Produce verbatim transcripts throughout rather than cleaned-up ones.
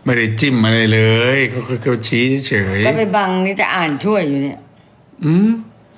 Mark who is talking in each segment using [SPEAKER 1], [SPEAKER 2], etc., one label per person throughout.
[SPEAKER 1] ไม่ได้จิ้มอะไรเลยเขาเขาชี้เฉย
[SPEAKER 2] ก็ไปบังนี่จะอ่านช่วยอยู่เนี่ย
[SPEAKER 1] อืม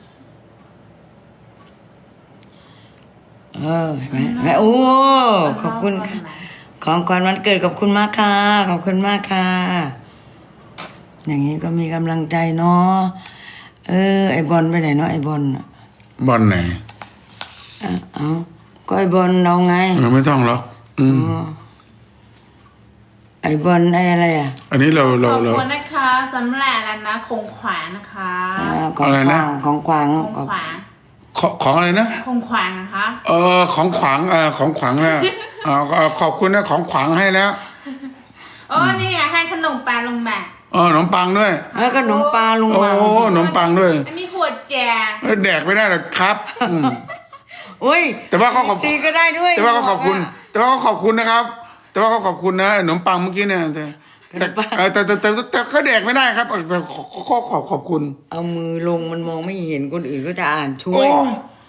[SPEAKER 2] เออเห็นไหมเห็นไหมโอ้ขอบคุณค่ะของขวัญวันเกิดขอบคุณมากค่ะขอบคุณมากค่ะ อย่างนี้ก็มีกำลังใจเนาะเออไอบอลไปไหนเนาะไอบอลน่ะ
[SPEAKER 1] บอลไหน
[SPEAKER 2] อ่ะเอาก็ไอบอลเราไง
[SPEAKER 1] เราไม่ต้องหรอกอืม
[SPEAKER 2] อ๋อไอบอลไออะไรอ่ะ
[SPEAKER 1] อันนี้เรา
[SPEAKER 3] ข
[SPEAKER 1] เรา
[SPEAKER 3] อบ
[SPEAKER 1] เรา
[SPEAKER 3] คุณนะคะสำหรับแล้วนะคงขวานนะคะ
[SPEAKER 2] อ่าของ
[SPEAKER 1] อะไร
[SPEAKER 2] ข
[SPEAKER 1] นะ
[SPEAKER 2] วางของขวาง
[SPEAKER 3] คง
[SPEAKER 2] ขอบ
[SPEAKER 3] ขวาน
[SPEAKER 1] ของของอะไรนะ
[SPEAKER 3] คงขวานนะคะ
[SPEAKER 1] เออของขวางเออของขวางนะเอาเอาขอบคุณนะของขวางให้แล้ว
[SPEAKER 3] โอ้นี่ไงให้ขนมปลาลงมา
[SPEAKER 1] เออขนมปังด้วย
[SPEAKER 2] แล้วก็ขนมปลาลุง
[SPEAKER 1] โอ้
[SPEAKER 2] มา
[SPEAKER 1] ขนมปังด้วย
[SPEAKER 3] อันนี้หัวแจก
[SPEAKER 1] เออแดกไม่ได้หรอกครับอืม
[SPEAKER 2] โอ้ย
[SPEAKER 1] แต่ว่าเขาขอบ
[SPEAKER 2] ซีก็ได้ด้วย
[SPEAKER 1] แต่ว่าก็ขอบคุณ แต่ว่าก็ขอบคุณนะครับ แต่ว่าก็ขอบคุณนะขนมปังเมื่อกี้เนี่ยแต่แต่เออแต่แต่แต่แต่แต่ก็แดกไม่ได้ครับเออแต่ขอขอขอบขอบคุณ
[SPEAKER 2] เอามือลงมันมองไม่เห็นคนอื่นก็จะอ่านช่ว
[SPEAKER 1] โอ้
[SPEAKER 2] ย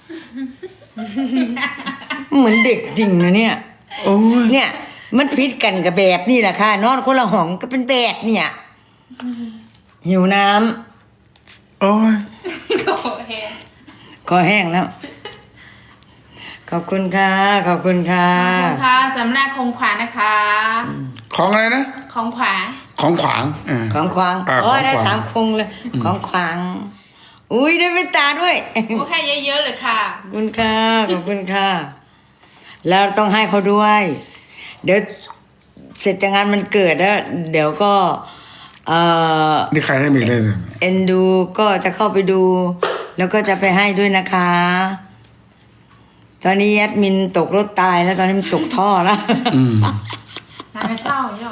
[SPEAKER 2] เหมือนเด็กจริงนะเนี่ย
[SPEAKER 1] โอ้ย
[SPEAKER 2] เนี่ย มันพิษกันกับแบบนี่แหละค่ะ นอนคนละห้องก็เป็นแบบเนี่ย หิวน้ำ
[SPEAKER 1] โอ้ย
[SPEAKER 3] โอเค
[SPEAKER 2] คอแห้งแล้ว ขอบคุณค่ะ ขอบคุณค่ะ
[SPEAKER 3] ขอบคุณค่ะสำหรับคงขวานนะคะ
[SPEAKER 1] ของอะไรนะ
[SPEAKER 3] ของขวาน
[SPEAKER 1] ของขวางเออ
[SPEAKER 2] ของขวาง
[SPEAKER 1] อ่า
[SPEAKER 2] โอ้ย
[SPEAKER 1] ของขวาง
[SPEAKER 2] ได้สามคงเลย ของขวาง อุ้ยได้เป็นตาด้วย
[SPEAKER 3] โอ้ให้เยอะๆเลยค่ะ
[SPEAKER 2] ขอบคุณค่ะ ขอบคุณค่ะ แล้วต้องให้เขาด้วย เดี๋ยวเสร็จจากงานมันเกิดแล้ว เดี๋ยวก็ เอ่อ
[SPEAKER 1] นี่ใครให้มีเลยเนี่ย
[SPEAKER 2] เอ็นดูก็จะเข้าไปดู แล้วก็จะไปให้ด้วยนะคะ ตอนนี้แอดมินตกรถตายแล้วตอนนี้มันตกท่อแล้ว
[SPEAKER 1] อืม
[SPEAKER 3] นางกระเช่าย่อ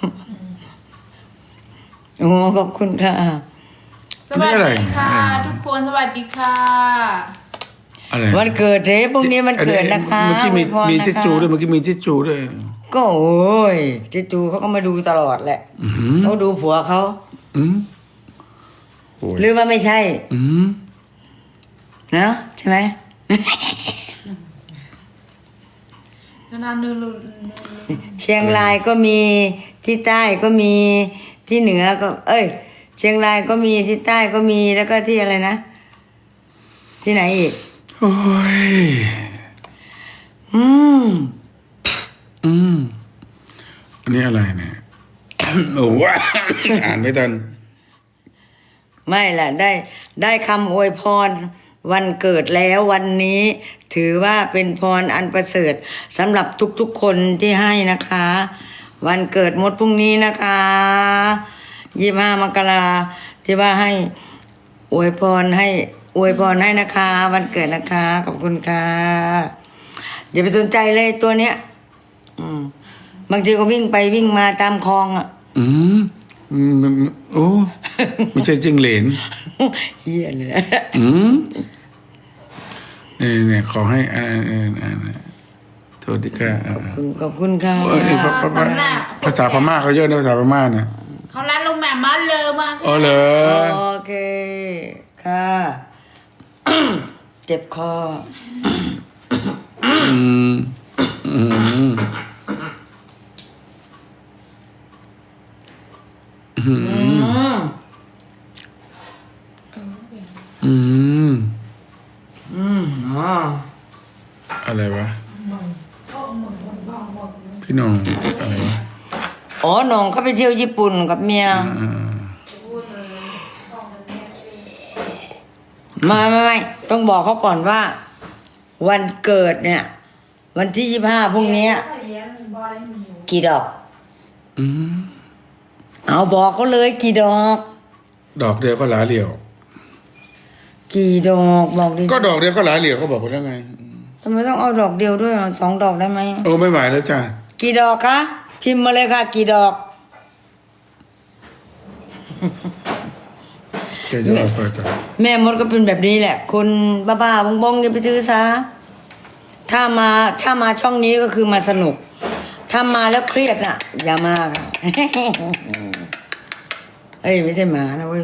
[SPEAKER 2] โอ้ขอบคุณค่ะ
[SPEAKER 3] สวัสดีค่ะ ทุกคนสวัสดีค่ะ
[SPEAKER 1] อะไร
[SPEAKER 2] วันเกิดเด้พรุ่งนี้มันเกิดนะคะ
[SPEAKER 1] เมื่อกี้มี
[SPEAKER 2] อวยพร
[SPEAKER 1] มี
[SPEAKER 2] นะคะ
[SPEAKER 1] ทิชชูด้วยเมื่อกี้มีทิชชูด้วย
[SPEAKER 2] ก็โอ้ยเจจูเขาก็มาดูตลอดแหละ
[SPEAKER 1] อือหือ
[SPEAKER 2] เขาดูผัวเขา
[SPEAKER 1] อืมโอ้ย
[SPEAKER 2] หรือว่าไม่ใช่
[SPEAKER 1] อืม
[SPEAKER 2] นะใช่ไหม
[SPEAKER 3] นานๆนูรุน
[SPEAKER 2] เชียงรายก็มีที่ใต้ก็มีที่เหนือก็ เอ้ย เชียงรายก็มีที่ใต้ก็มีแล้วก็ที่อะไรนะ ที่ไหนอีก
[SPEAKER 1] โอ้ย
[SPEAKER 2] อืม
[SPEAKER 1] อืมอันนี้อะไรเนี่ย โอ้ยอ่านไม่ทัน
[SPEAKER 2] ไม่ล่ะได้ได้คำอวยพรวันเกิดแล้ววันนี้ ถือว่าเป็นพรอันประเสริฐสำหรับทุกๆคนที่ให้นะคะ วันเกิดมดพรุ่งนี้นะคะยี่ห้ามกราที่ว่าให้อวยพรให้อวยพรให้นะคะ วันเกิดนะคะขอบคุณค่ะอย่าไปสนใจเลยตัวเนี้ย อืมบางทีก็วิ่งไปวิ่งมาตามคลองอ่ะ
[SPEAKER 1] อืมอืมโอ้ไม่ใช่จิ้งเหลน
[SPEAKER 2] เฮียเลย
[SPEAKER 1] อืมเนี่ยเนี่ยขอให้อ่าอ่าอ่าโทษดีค่ะอ่า
[SPEAKER 2] ขอบคุณค่ะ
[SPEAKER 1] เออนี่ภาภาภาภาษาพม่าเขาเยอะนะภาษาพม่านะ
[SPEAKER 3] เขาร้านลงแม่มาเลยมาก
[SPEAKER 1] อ๋อเหรอ
[SPEAKER 2] โอเคค่ะ เจ็บคอ
[SPEAKER 1] อืมอืมอืม
[SPEAKER 2] อืม
[SPEAKER 1] อืม
[SPEAKER 2] อืมอ๋อ
[SPEAKER 1] อะไรวะพี่น้องอะไรวะ
[SPEAKER 2] อ๋อน้องเขาไปเที่ยวญี่ปุ่นกับเมีย
[SPEAKER 1] อ่า
[SPEAKER 2] ไม่ไม่ไม่ต้องบอกเขาก่อนว่า วันเกิดเนี่ย วันที่ยี่ห้าพรุ่งนี้กี่ดอก
[SPEAKER 1] อืม
[SPEAKER 2] เอาบอกเขาเลยกี่ดอก
[SPEAKER 1] ดอกเดียวก็หลายเหลี่ยว
[SPEAKER 2] กี่ดอกบอกดิ
[SPEAKER 1] ก็ดอกเดียวก็หลายเหลี่ยวเขาบอกว่ายังไง
[SPEAKER 2] ทำไมต้องเอาดอกเดียวด้วยอ่ะสองดอกได้ไหม
[SPEAKER 1] โอ้ไม่ไหวแล้วจ้ะ
[SPEAKER 2] กี่ดอกคะพิมพ์มาเลยค่ะ กี่ดอก
[SPEAKER 1] แกจะเอาไปจ้ะ
[SPEAKER 2] แม่มดก็เป็นแบบนี้แหละ คนบ้าๆบงๆอย่าไปซื้อซะถ้ามาถ้ามาช่องนี้ก็คือมาสนุก ถ้ามาแล้วเครียดน่ะ อย่ามาค่ะ เอ้ยไม่ใช่หมานะเว้ย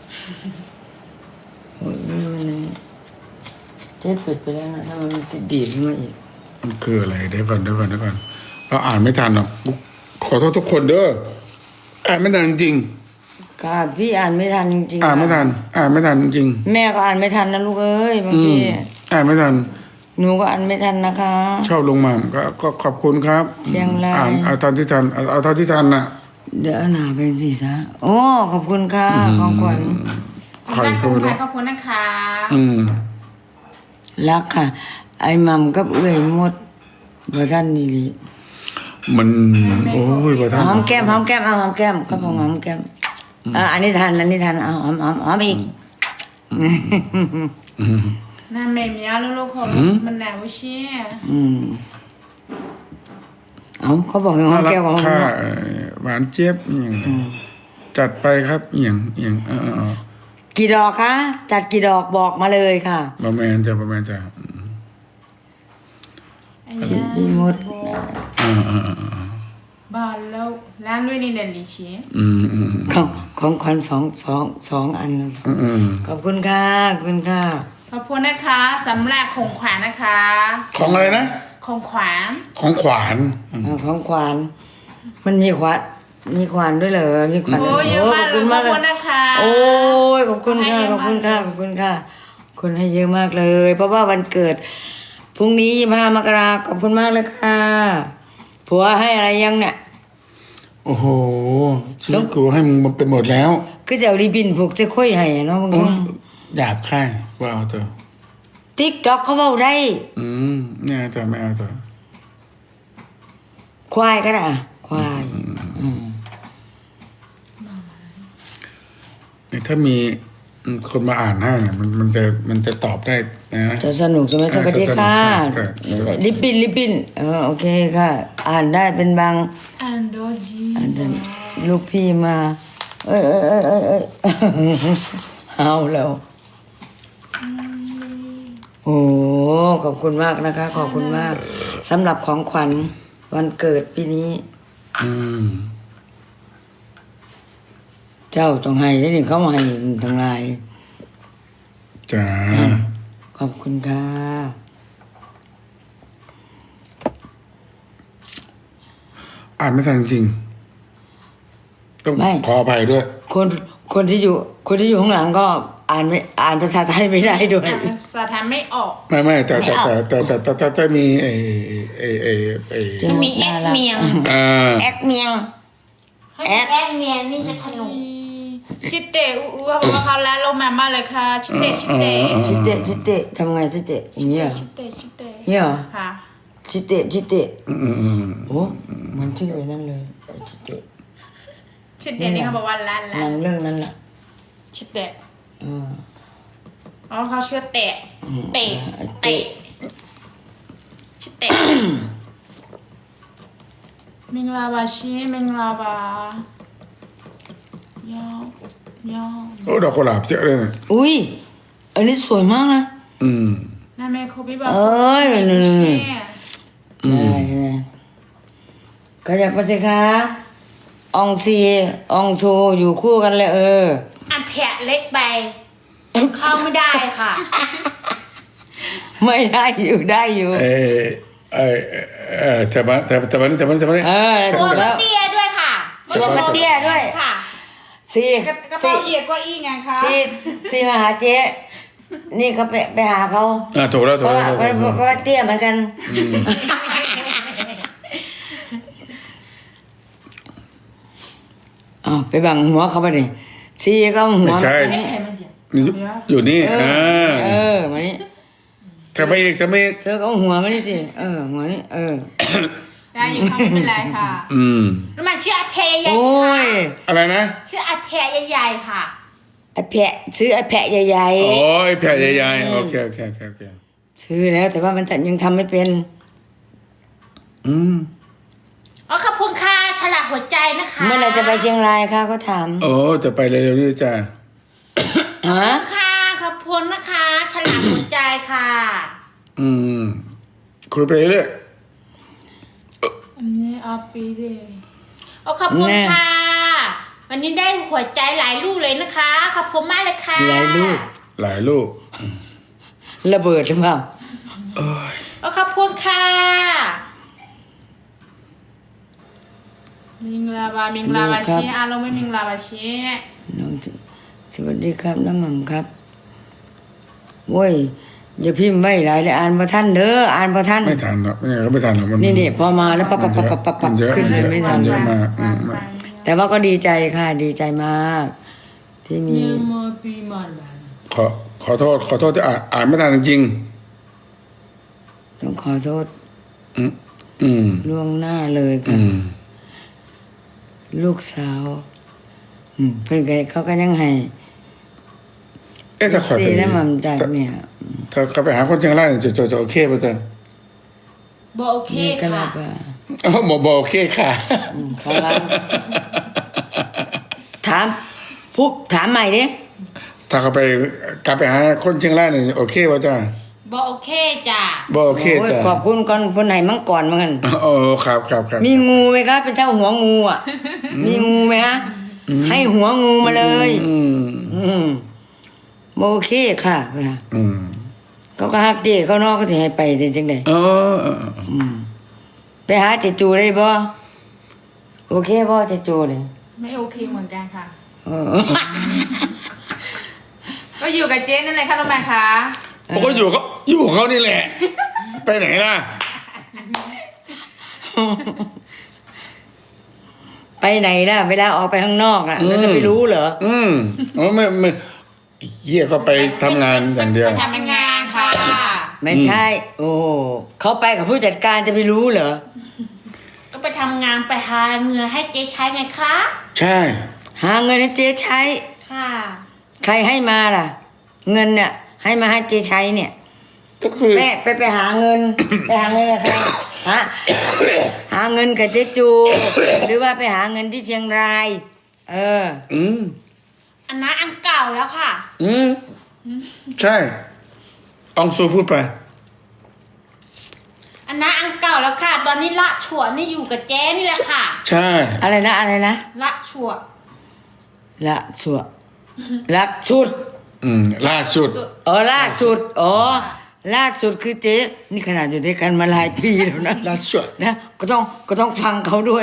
[SPEAKER 2] โอ้ยมันเจ๊ปิดไปแล้วนะถ้ามันติดดีดขึ้นมาอีก
[SPEAKER 1] มันคืออะไรเดี๋ยวก่อนเดี๋ยวก่อนเดี๋ยวก่อนเราอ่านไม่ทันหรอกขอโทษทุกคนเด้ออ่านไม่ทันจริง
[SPEAKER 2] ค่ะพี่อ่านไม่ทันจริงๆ
[SPEAKER 1] อ่านไม่ทัน อ่านไม่ทันจริง
[SPEAKER 2] แม่ก็อ่านไม่ทันนะลูกเอ้ยบาง
[SPEAKER 1] อื
[SPEAKER 2] ที
[SPEAKER 1] มอ่านไม่ทัน
[SPEAKER 2] หนูก็อ่านไม่ทันนะคะ
[SPEAKER 1] ชอบลงมาก็ก็ขอบคุณครับ
[SPEAKER 2] เชียงราย
[SPEAKER 1] อ่านเอาตอนที่ทันเอาเอาเท่าที่ทันน่ะ
[SPEAKER 2] เดี๋ยวเอาหนาไปสิซะโอ้ขอบคุณค่ะของขวัญ
[SPEAKER 1] ใคร
[SPEAKER 3] รัก
[SPEAKER 1] ก็
[SPEAKER 3] คุ
[SPEAKER 1] ไม่
[SPEAKER 3] ณ
[SPEAKER 1] รู้
[SPEAKER 3] ค่ะขอบคุณนะคะ
[SPEAKER 1] อืม
[SPEAKER 2] รักค่ะ ไอ้มัมกับเอื้อยหมดบ่ท่านนี่ลิ
[SPEAKER 1] มันโอ้ยประท่าน
[SPEAKER 2] หอมแก้มหอมแก้มเอาหอมแก้มก็พอหอมแก้มเอออันนี้ทันอันนี้ทันเอาหอมหอมหอมอีก
[SPEAKER 1] อืม
[SPEAKER 3] น่าแม่เมียลูกๆของมันหนาวเชี่ย
[SPEAKER 2] อืมเอาเขาบอกให้หอ
[SPEAKER 1] น่าม รัก
[SPEAKER 2] แก้มหอม
[SPEAKER 1] ค่ะ
[SPEAKER 2] เนาะ
[SPEAKER 1] เอ่อหวานเจี๊ยบอหย่างจัดไปครับอหย่างอหย่างเออเออเออ
[SPEAKER 2] กี่ดอกคะจัดกี่ดอกบอกมาเลยค่ะ
[SPEAKER 1] ประมาณจะประมาณจะ
[SPEAKER 3] อันนี้
[SPEAKER 2] พี่มด
[SPEAKER 1] อ่าอ่าอ่าอ่า
[SPEAKER 3] บ้านแล้วร้านด้วยนี่เด่นดิเชี่ย
[SPEAKER 1] อืมอืม
[SPEAKER 2] ของของขวัญสองสองสองอันนะ
[SPEAKER 1] อืมอืม
[SPEAKER 2] ขอบคุณค่ะขอบคุณค่ะ
[SPEAKER 3] ขอบคุณนะคะสำหรับของขวัญนะคะ
[SPEAKER 1] ของอะไรนะ
[SPEAKER 3] ของขวัญ
[SPEAKER 1] ของขวาน
[SPEAKER 2] เอาของขวัญมันมีขวัญมีขวัญด้วยเหรอมีขวัญ
[SPEAKER 3] โอ้ยเยอะมาก
[SPEAKER 2] ขอบ
[SPEAKER 3] เล
[SPEAKER 2] คุ
[SPEAKER 3] ย
[SPEAKER 2] ณ
[SPEAKER 3] ข
[SPEAKER 2] มา
[SPEAKER 3] อก บ
[SPEAKER 2] เลย
[SPEAKER 3] คุณนะคะ
[SPEAKER 2] โอ้ยขอบคุณค่ะขอบคุณค่ะขอบคุณค่ะคนให้เยอะมากเลย เพราะว่าวันเกิดพรุ่งนี้ยี่สิบห้ามกราขอบคุณมากเลยค่ะผัวให้อะไรยังเนี่ย
[SPEAKER 1] โอ้โหชีวิตกูให้มึงมันไปหมดแล้ว
[SPEAKER 2] คือจะเอารีบินผูกเส้ค่อยให้อะเนาะบาง
[SPEAKER 1] โอ้
[SPEAKER 2] ที
[SPEAKER 1] หยาบค่ายว่าเอาเถอะ
[SPEAKER 2] ติ๊กต็อกเขาเว้าได้
[SPEAKER 1] อืมเนี่ยจะไม่เอาเถอะ
[SPEAKER 2] ควายก็ได้อะควายอืม
[SPEAKER 1] เนี่ยถ้ามีคนมาอ่านให้เนี่ยมันมันจะมันจะตอบได้นะ
[SPEAKER 2] จะสนุกใช่ไหมสวัสดีค่ะ
[SPEAKER 1] ใช่ใช่
[SPEAKER 2] ลิปปินลิปปินเออโอเคค่ะ อ่านได้เป็นบาง
[SPEAKER 3] อันโดจี
[SPEAKER 2] อันนั้นลูกพี่มา เอ้ยเอ้ยเอ้ยเอ้ยเอ้ย เอาแล้ว โอ้ขอบคุณมากนะคะ ขอบคุณมากสำหรับของขวัญวันเกิดปีนี้
[SPEAKER 1] อืม
[SPEAKER 2] เจ้าต้องให้ได้นี่เขามาให้ทั้งหลาย
[SPEAKER 1] จ้า
[SPEAKER 2] ขอบคุณค่ะ
[SPEAKER 1] อ่านไม่ทันจริงๆต้องขออภัยด้วย
[SPEAKER 2] คนคนที่อยู่ คนที่อยู่ข้างหลังก็อ่านไม่อ่านภาษาไทยไม่ได้ด้วย
[SPEAKER 3] สาธารไม่ออก
[SPEAKER 1] ไม่ไม่แต่แต่แต่แต่แต่แต่แต่แต่มีไอ้ไอ้ไอ้ไอ้
[SPEAKER 2] จะ
[SPEAKER 3] มีแอคเมียง
[SPEAKER 1] อ่า
[SPEAKER 2] แอคเมียง แอค
[SPEAKER 3] แอคเมียงนี่จะขนมชิดเตะอู้เขาบอกว่าเขาแล้วลงมามาเลยค่ะชิดเตะชิดเตะ
[SPEAKER 2] จิเตะจิเตะทำไงจิเตะอย่างเงี้ยเหรอ
[SPEAKER 3] ชิดเตะชิดเตะ
[SPEAKER 2] เนี่ยเหรอ
[SPEAKER 3] ค่ะ
[SPEAKER 2] จิเตะจิเตะ
[SPEAKER 1] อืมอืมอืม
[SPEAKER 2] โอ้เหมันชื่อไอ้นั่นเลยไอ้จิเตะ
[SPEAKER 3] ชิดเตะนี่เขาบอกว่าล้าน
[SPEAKER 2] ห
[SPEAKER 3] ล้า
[SPEAKER 2] นั
[SPEAKER 3] น
[SPEAKER 2] งเรื่องนั้นแหละ
[SPEAKER 3] ชิดเตะ
[SPEAKER 2] เออ
[SPEAKER 3] อ๋อเขาเชื่อเตะเตะเตะชิดเตะมิงลาวาชีมิงลาวายาวยาว
[SPEAKER 1] โอ้ดอกกุหลาบเยอะเลยนะ
[SPEAKER 2] อุ้ยอันนี้สวยมากนะ
[SPEAKER 1] อืม
[SPEAKER 3] น่าแม่โคบิบอก
[SPEAKER 2] เอ้ย
[SPEAKER 3] ไม่
[SPEAKER 2] นี่
[SPEAKER 3] ใช่
[SPEAKER 2] ได้ได้ขยับไปสิคะอองซีอองโชอยู่คู่กันเลยเออ
[SPEAKER 3] อันแผลเล็กไปเข้าไม่ได้ค่ะ
[SPEAKER 2] ไม่ได้อยู่ได้อยู่
[SPEAKER 1] เออเออเออแต่มาแต่แต่มาแต่มาแต่มา
[SPEAKER 2] เออ
[SPEAKER 3] ตัว
[SPEAKER 2] ถูก
[SPEAKER 3] ก
[SPEAKER 2] แล้
[SPEAKER 3] ระ
[SPEAKER 2] ว
[SPEAKER 3] เตี้ยด้วยค่ะ
[SPEAKER 2] ตัวกระเตี้ยด้วย
[SPEAKER 3] ค่ะ
[SPEAKER 2] ซี
[SPEAKER 3] กระกระ
[SPEAKER 2] ซี
[SPEAKER 3] เป๋าเอียดกว่าอีไงคะ
[SPEAKER 2] ซีซีมาหาเจ๊นี่เขาไปไปหาเขา
[SPEAKER 1] อ่าถูกแล้ว
[SPEAKER 2] เพ
[SPEAKER 1] ถูก
[SPEAKER 2] ราะ
[SPEAKER 1] แล้ว
[SPEAKER 2] ว่า
[SPEAKER 1] ถูก
[SPEAKER 2] เพ
[SPEAKER 1] แล้ว
[SPEAKER 2] ราะว่าเตี้ยเหมือนกันอ๋อไปบังหัวเขาไปดิซีก็หัว
[SPEAKER 1] ไม่ใช่
[SPEAKER 3] ไม่เห็นมันเจ็บ
[SPEAKER 1] อยู่นี่
[SPEAKER 2] เอ
[SPEAKER 1] อ่า
[SPEAKER 2] อเออมานี่
[SPEAKER 1] ทำไมอีกทำไมอีก
[SPEAKER 2] เธอก็เอาหัวมานี่สิเออหัวนี่เออ
[SPEAKER 3] ได้อยู่ค่ะไม่เป็นไรค่ะ
[SPEAKER 1] อืม
[SPEAKER 3] แล้วมันชื่ออาเพยใหญ่
[SPEAKER 2] โอ้
[SPEAKER 3] สิคะ
[SPEAKER 2] ย
[SPEAKER 1] อะไรนะ
[SPEAKER 3] ชื่ออาเพยใหญ่ๆค่ะ
[SPEAKER 2] ไอ้แพะซื้อไอ้แพะใหญ่
[SPEAKER 1] โอ้ยแผ่ใหญ่ๆโอเคโอเคโอเคโอเค
[SPEAKER 2] ๆซื้อแล้วแต่ว่ามันยังทำไม่เป็น
[SPEAKER 1] อืม
[SPEAKER 3] อ๋อขอบคุณค่ะฉลากหัวใจนะคะ
[SPEAKER 2] เมื่อไหรจะไปเชียงรายคะเขาถาม
[SPEAKER 1] โอ้จะไปเร็วๆนี่จ้า
[SPEAKER 2] ฮะ
[SPEAKER 3] ค่ะขอบคุณนะคะฉลากหัวใจค่ะ
[SPEAKER 1] อืมคุยไปเรื่อย
[SPEAKER 3] อันนี้อาปีเดย์อ๋อขอบคุณค่ะ วันนี้ได้หัวใจหลายลูกเลยนะคะ ขอบคุณมากเลยค่ะ
[SPEAKER 2] หลายลูก
[SPEAKER 1] หลายลูก
[SPEAKER 2] ระเบิดหรือเปล่า
[SPEAKER 1] โอ้ย
[SPEAKER 3] อ๋อขอบคุณค่ะมิงลาบามิงลาบาเชียอาเราไม่มิงลาบาเชีย
[SPEAKER 2] น้องสวัสดีครับน้ำหม่ำครับโว้ยอย่าพิมพ์ไว้หลายเลยอ่านประท่านเด้ออ่านประท่าน
[SPEAKER 1] ไม่ทันหรอกไม่งั้นก็ไม่ทันหรอกมัน
[SPEAKER 2] นี่นี่พอมาแล้วปั๊บปั๊บปั๊บปั๊บปั๊บปั๊บ
[SPEAKER 1] มันเยอะ
[SPEAKER 2] ขึ้นเลยไม่ทัน
[SPEAKER 1] เยอะมากอืม
[SPEAKER 2] แต่ว่าก็ดีใจค่ะ ดีใจมาก ที่มี
[SPEAKER 3] เนี่ยมาปีมันบาน
[SPEAKER 1] ขอขอโทษขอโทษที่อ่านอ่านไม่ทันจริง
[SPEAKER 2] ต้องขอโทษ
[SPEAKER 1] ๆอืมอืม
[SPEAKER 2] ล่วงหน้าเลย
[SPEAKER 1] อื
[SPEAKER 2] ค่ะ
[SPEAKER 1] ม
[SPEAKER 2] ลูกสาว อืมเพื่อนก็เขาก็ยังให้
[SPEAKER 1] เอ๊ะถ้าขอไป
[SPEAKER 2] ซีน้ำหม่ำจากเนี่ย
[SPEAKER 1] ถ้าเขาไปหาคนเชียงรายเนี่ยจะจะจะโอเคป่ะจ๊ะ
[SPEAKER 3] บโอเค
[SPEAKER 2] นี่ก็
[SPEAKER 3] ค่ะ
[SPEAKER 2] รับว่า
[SPEAKER 1] อ๋อบอกบอกโอเคค่ะ
[SPEAKER 2] อืมเขารับถามพูดถามใหม่ดิ
[SPEAKER 1] ถ้าเขาไปกลับไปหาคนเชียงรายเนี่ยโอเคป่ะจ๊ะ
[SPEAKER 3] บโอเคจ้ะ
[SPEAKER 1] บอกโอเค
[SPEAKER 2] โอ้ย
[SPEAKER 1] จ้ะ
[SPEAKER 2] ขอบคุณก่อนคนไหนมั่งก่อนเหมือนกัน
[SPEAKER 1] โอ้ครับครับครับ
[SPEAKER 2] มีงูไหมครับเป็นเจ้าหัวงูอ่ะ มีงูไหมฮะ ให้หัวงูมาเลย
[SPEAKER 1] อืม
[SPEAKER 2] อืมโอเคค่ะเวลา
[SPEAKER 1] อืม
[SPEAKER 2] เขาก็ฮักเจเขานอกก็จะให้ไปจริงๆเลย
[SPEAKER 1] เออเออเออ
[SPEAKER 2] อืมไปหาเจจูได้บ่โอเคบ่เจจูเลย
[SPEAKER 3] ไม่โอเคเหมือนกันค่ะ
[SPEAKER 2] เออ
[SPEAKER 3] ก็อยู่กับเจ๊นั่นแหละค่ะน้องแม่คะ
[SPEAKER 1] ผมก็อยู่เขาอยู่เขานี่แหละ ไปไหนล่ะ
[SPEAKER 2] ไปไหนล่ะ เวลาออกไปข้างนอกอ่ะ
[SPEAKER 1] อืม
[SPEAKER 2] เราจะไปรู้เหรอ
[SPEAKER 1] อืมอ๋อไม่ไม่เหี้ยก็ไปทำงานอย่างเดียว
[SPEAKER 3] ไปทำงานค่ะ
[SPEAKER 2] ไม่ใช่ โอ้เขาไปกับผู้จัดการจะไปรู้เหรอ
[SPEAKER 3] ก็ไปทำงานไปหาเงินให้เจ๊ใช้ไงคะ
[SPEAKER 1] ใช่
[SPEAKER 2] หาเงินให้เจ๊ใช้
[SPEAKER 3] ค่ะ
[SPEAKER 2] ใครให้มาล่ะ เงินเนี่ย ให้มาให้เจ๊ใช้เนี่ย
[SPEAKER 1] ก็คือ
[SPEAKER 2] แม่ไปไปหาเงิน ไปหาเงินกับใครหาหาเงินกับเจ๊จู หรือว่าไปหาเงินที่เชียงราย เออ
[SPEAKER 1] อืม
[SPEAKER 3] อันนั้นอันเก่าแล้วค่ะ
[SPEAKER 1] อืมใช่อองซูพูดไป
[SPEAKER 3] อันนั้นอันเก่าแล้วค่ะ ตอนนี้ละฉวนนี่อยู่กับเจ๊นี่แหละค่ะ
[SPEAKER 1] ใช่
[SPEAKER 2] อะไรนะอะไรนะ
[SPEAKER 3] ละฉวน
[SPEAKER 2] ละสัวละสุด
[SPEAKER 1] อืมล่าสุด
[SPEAKER 2] อ๋อล่าสุดอ๋อล่าสุดคือเจ๊นี่ขนาดอยู่ด้วยกันมาหลายปีแล้วนะ
[SPEAKER 1] ล่าสุด
[SPEAKER 2] นะก็ต้องก็ต้องฟังเขาด้วย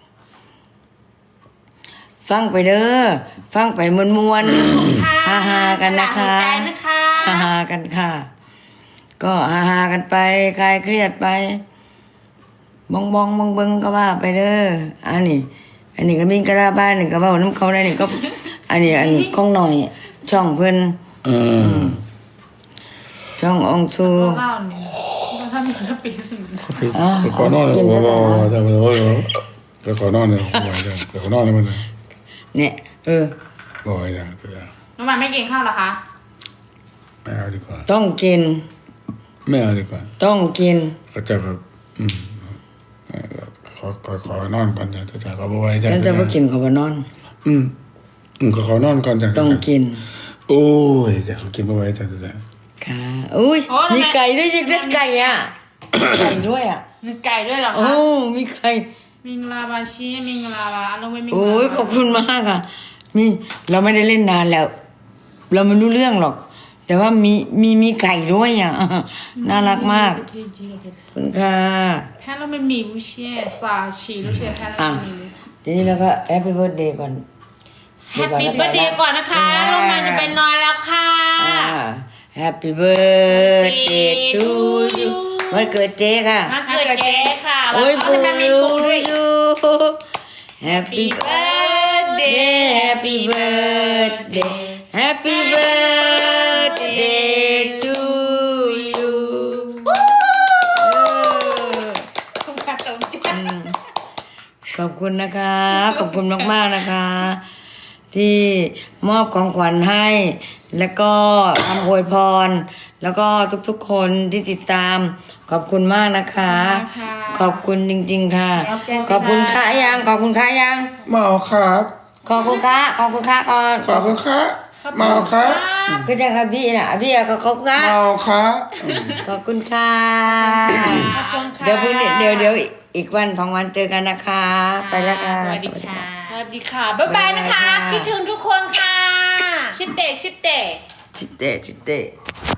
[SPEAKER 2] ฟังไปเด้อฟังไปมวนมวนๆ
[SPEAKER 3] ค่ะ
[SPEAKER 2] ฮาฮาๆกันนะคะ
[SPEAKER 3] สละหัวใจนะคะ
[SPEAKER 2] ฮาฮาๆกันค่ะ ก็ฮาฮาๆกันไปคลายเครียดไปบองบองบองเบิงก็ว่าไปเด้ออันนี้ อันนี้ก็มีกระบ้านนี่ก็เว่าน้ำเขาได้นี่ก็ อันนี้อันนี้ของหน่อย ช่องเพิ่น
[SPEAKER 1] เออ
[SPEAKER 2] ช่ององซู
[SPEAKER 3] เล่าเนี่ยเราทำอย่างนั้นปีสิบ
[SPEAKER 2] อ่ะ
[SPEAKER 1] ไปขอนอนเลย
[SPEAKER 2] กิน
[SPEAKER 1] โอ้
[SPEAKER 2] ภา
[SPEAKER 1] โห
[SPEAKER 2] ษา
[SPEAKER 1] แต่โอ้โหไปขอนอนเลยบ่อยจังไปขอนอนเลยมันเลย
[SPEAKER 2] เนี่ย เออ
[SPEAKER 1] บ่อยจังไปอ่ะ
[SPEAKER 3] น้องหมายไม่กินข้าวเหรอคะ
[SPEAKER 1] ไม่เอาดีกว่า
[SPEAKER 2] ต้องกิน
[SPEAKER 1] ไม่เอาดีกว่า
[SPEAKER 2] ต้องกิน
[SPEAKER 1] ก็จะแบบอืมเอ่อขอขอขอนอนก่อนจ้ะจะจะขอบ่ไหว้จ้ะ
[SPEAKER 2] ฉันจะไม่กินขอบนอน
[SPEAKER 1] อืมอืมขอขอนอนก่อนจ้ะ
[SPEAKER 2] ต้องกิน
[SPEAKER 1] โอ้ยจะขอกินบ่ไหว้จ้ะจ้ะจ้ะ
[SPEAKER 2] ค่ะอุ้ย
[SPEAKER 3] โอ้ทำไม
[SPEAKER 2] มีไก่ด้วยยังได้ไก่อ่ะ ไก่ด้วยอ่ะ
[SPEAKER 3] มีไก่ด้วยเหรอ
[SPEAKER 2] โอ้
[SPEAKER 3] คะ
[SPEAKER 2] มีไก่
[SPEAKER 3] มิงลาบาชีมิงลาบาเราไม่มิงลา
[SPEAKER 2] โอ้ยขอบคุณมากค่ะ มีเราไม่ได้เล่นนานแล้ว เราไม่รู้เรื่องหรอก แต่ว่ามีมีมีไก่ด้วยอ่ะ น่ารักมากขอบคุณค่ะ
[SPEAKER 3] แพ้เราไม่มีบุเช่ซาชีลูเช่แพ้เรา
[SPEAKER 2] อ่ะ
[SPEAKER 3] ไม่มี
[SPEAKER 2] ทีนี้เราก็แฮปปี้เบิร์ดเดย์ก่อน
[SPEAKER 3] แฮปปี้เบิร์ดเดย์ก่อนนะคะลงมาจะไปนอนแล้วค่ะ
[SPEAKER 2] แฮปปี้เบิร์ดเดย์ทูยูวันเกิดเจ๊ค่ะ
[SPEAKER 3] มาเกิดเจ๊ค่ะ
[SPEAKER 2] โอ้ย
[SPEAKER 3] เขา
[SPEAKER 2] ปู
[SPEAKER 3] จะมามีปูด้วย
[SPEAKER 2] ยู Happy birthday Happy birthday Happy birthday to you
[SPEAKER 3] ขอบคุณตรงจ้า
[SPEAKER 2] ขอบคุณนะคะ ขอบคุณมากๆนะคะ ที่มอบของขวัญให้ แล้วก็คำอวยพร แล้วก็ทุกๆคนที่ติดตาม ขอบคุณมากนะคะ ขอบคุณจริงๆค่ะ ขอบคุณค่ะยังขอบคุณค่ะยัง
[SPEAKER 1] มาเอาครับ
[SPEAKER 2] ขอบคุณค่ะขอบคุณค่ะก่อน
[SPEAKER 1] ขอบคุณครับมาเอาครับ
[SPEAKER 2] ก็จะค่ะพี่น่ะพี่อะก็ขอบคุณค่ะ
[SPEAKER 1] มาเอาครับ
[SPEAKER 2] ขอบคุณค่ะ
[SPEAKER 3] ขอบคุณค่ะ
[SPEAKER 2] เดี๋ยวพรุ่งนี้เดี๋ยวเดี๋ยวอีกวันสองวันเจอกันนะคะ ไปแล้วค่ะ
[SPEAKER 3] สวัสดีค่ะ สวัสดีค่ะ บ๊ายบายนะคะ คิดถึงทุกคนค่ะ ชิดเตะชิดเตะ
[SPEAKER 2] ชิเตะชิเตะ